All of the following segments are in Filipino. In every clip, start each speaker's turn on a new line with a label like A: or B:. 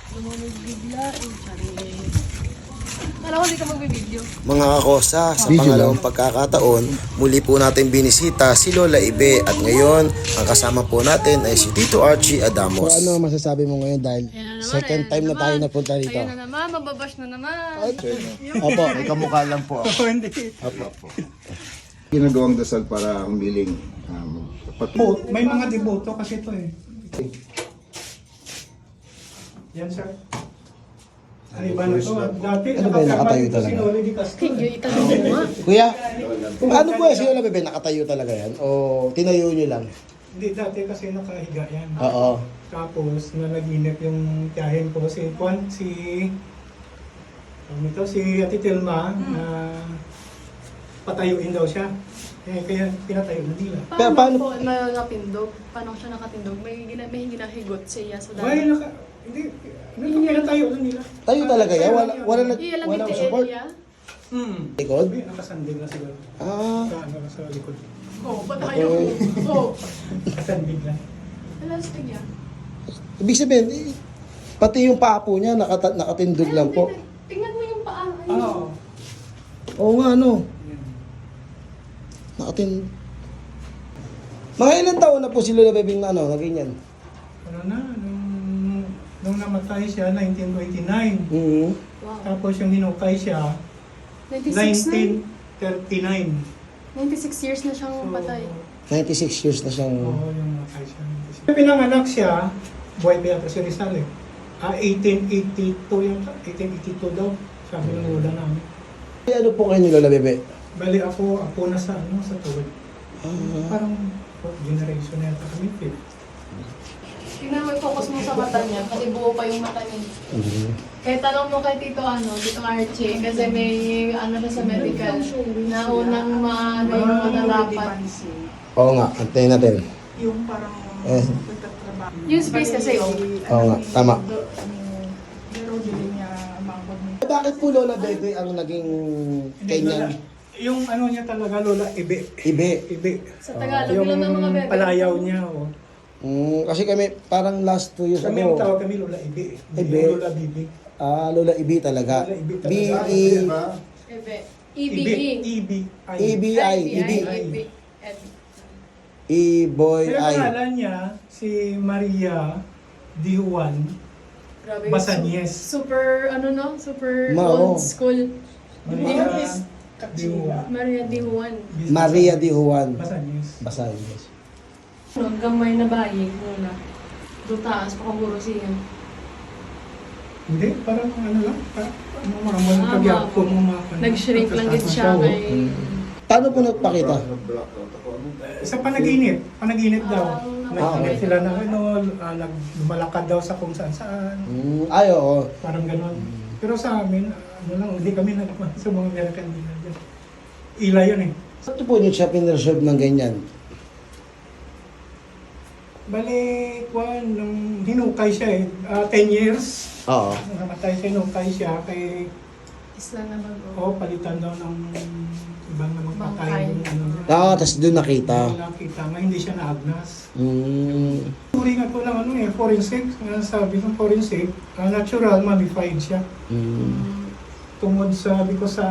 A: Bigla, Alam ko, hindi ka magbibideo.
B: Mga kakosa, sa pangalawang pagkakataon, muli po natin binisita si Lola Ibe at ngayon, ang kasama po natin ay si Tito Archie Adamos. So ano masasabi mo ngayon dahil second time na tayo napunta rito?
A: Ayun na naman, mababash na naman.
B: Opo,
C: May kamukha lang po ako.
D: Hindi.
C: Ginagawang dasal para humiling.
D: May mga deboto kasi ito eh. Yan sir. Ay, iba na ito. Dati,
B: Ano ba yung nakatayo talaga?
D: Sinuli di Castro.
A: Hindi, itanong mo nga.
B: Kuya, paano po yan si Lola Bebe? Nakatayo talaga yan? O tinayo nyo lang?
D: Hindi, dati kasi nakahiga yan.
B: Oo.
D: Tapos, nalaginip yung tiyahin ko. Si Juan, si Ate Tilma, na patayuin daw siya. Kaya pinatayo na nila.
B: Pero
A: Paano
B: paano-
A: po nakatindog? Paano siya nakatindog? May ginahigot siya sa
D: Ay,
A: dami.
D: hindi, pinatayo na nila.
B: Tayo talaga yan? Walang
A: Iyalamig ti
B: support?
A: area.
B: Likod?
D: Sabi, nakasandig na siguro.
B: Ah,
D: Sa likod.
A: Oo, patayo. Oo.
D: Nakasandig lang.
A: Elastic yan.
B: ibig sabihin, pati yung paa po niya nakatindog lang po.
A: Tingnan mo yung paa.
D: Oo.
B: Oo nga, ano? Mga ilang taon na po si Lola Bebing na ganyan?
D: Ano na, nung namatay siya, 1929.
B: Mm-hmm.
A: Wow.
D: Tapos yung hinukay siya,
A: 96
D: 1939.
A: 96 years na siyang patay.
B: 96 years na siyang...
D: Oo, yung namatay siya. Pinanganak siya, buhay pa yata si Rizal eh. 1882 yata, 1882 daw, sabi ng lola namin.
B: Ano po kayo ni Lola Bebe?
D: Bali ako na sa tuwid. Parang fourth generation na yata kami, fifth.
A: Tingnan mo, focus mo sa mata niya kasi buo pa yung mata niya. Kaya tanong mo kay Tito Tito Archie, kasi may siya sa medical na unang yung matarapat.
B: Oo nga, antayin natin.
E: Yung parang nagtatrabaho.
A: Yung space kasi,
B: Oo nga, tama.
E: Pero hindi niya mabag mo.
B: Bakit po Lola Bebe ang naging kanyang
D: Yung niya talaga, lola, ibe.
B: ibe?
D: Ibe.
A: Sa Tagalog
D: Yung
A: lang ng mga bebe.
D: palayaw niya, oh.
B: Kasi kami, parang last 2 years
D: Kami ang
B: ago,
D: tawag kami lola ibe. Hindi
B: Ibe.
D: lola bibi.
B: Lola Ibe talaga.
D: Lola Ibe talaga.
B: B-E...
A: Ebe.
D: Ibe.
A: EBE.
B: EBI. E-boy
D: Pero
B: I.
D: pangalan niya, si Maria Di Juan
A: Grabe.
D: Basanyes.
A: Super, super
B: Oo.
A: old school.
D: Maria Di Juan.
A: Maria Di Juan.
B: Maria Di Juan.
D: Basanyes.
B: Basahin.
A: Gamay na bayi muna. Doon taas, pakaburo siya.
D: Hindi, parang lang. Mga pagyapon mo mga
A: Nag-shrink lang din siya kay...
B: Paano po nagpakita?
D: Sa panaginip. Panaginip daw.
B: okay.
D: Sila na lumalakad daw sa kung saan.
B: Ay, oo.
D: Parang gano'n. Pero sa amin, hindi kami nalaman sa mga American dealer dyan. Ila yun eh.
B: Ito po niyo siya pinreserve ng ganyan.
D: Bali, nung hinukay siya eh, 10 years.
B: Oo.
D: Nung namatay siya, hinukay siya kay,
A: Isla na bago.
D: palitan daw ng ibang namang
A: Bangkay.
D: patay.
B: Tapos doon nakita.
D: Nakita nga, hindi siya naagnas.
B: Mm.
D: Turingan ko ng forensic. Sabi ng forensic, natural, mummified siya. Tungod sabi ko sa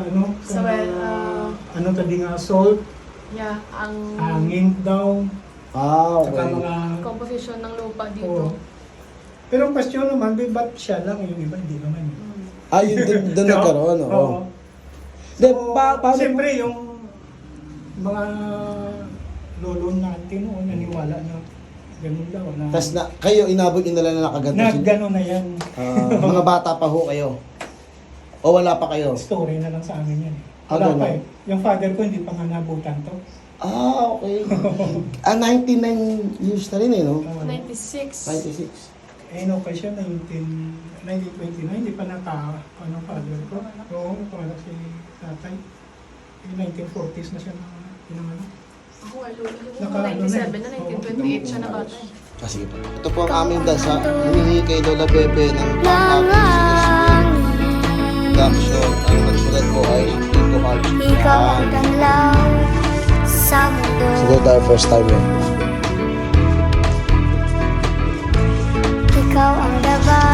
D: tadi nga salt,
A: Yeah, ang
D: hangin daw, saka
B: Okay.
D: mga...
A: composition ng lupa
D: Oo.
A: dito.
D: Pero ang question naman, ba't siya lang, yung iba hindi naman.
B: Yun doon nagkaroon, oo.
D: Oo.
B: De,
D: So,
B: paano
D: siyempre, yung mga lolo natin noon, naniwala na ganun daw. Na,
B: tas na, kayo inabot nyo na lang na nakaganto
D: na
B: sila?
D: ganun na yan.
B: Mga bata pa ho kayo? O wala pa kayo?
D: Story na lang sa amin yan.
B: Ah,
D: Wala
B: ganun.
D: pa eh. Yung father ko hindi pa nga nabutan to.
B: Okay. 99 years na rin no?
A: 96.
B: 96.
D: Okay siya, 1929, hindi pa father ko. Oo, panganak si tatay. 1940s na siya pinanganak.
A: Ako ay lolo.
D: Naka-
A: 97 na, 1928 siya na bata.
B: Sige po. Ito po ang aming dasa. Humingi kay Lola Bebe ng pang-happy production. Ang nagsulat po ay Tito Archie.
F: Ikaw ang galaw sa mundo.
B: Siguro tayo first time yun.
F: Ikaw ang dabar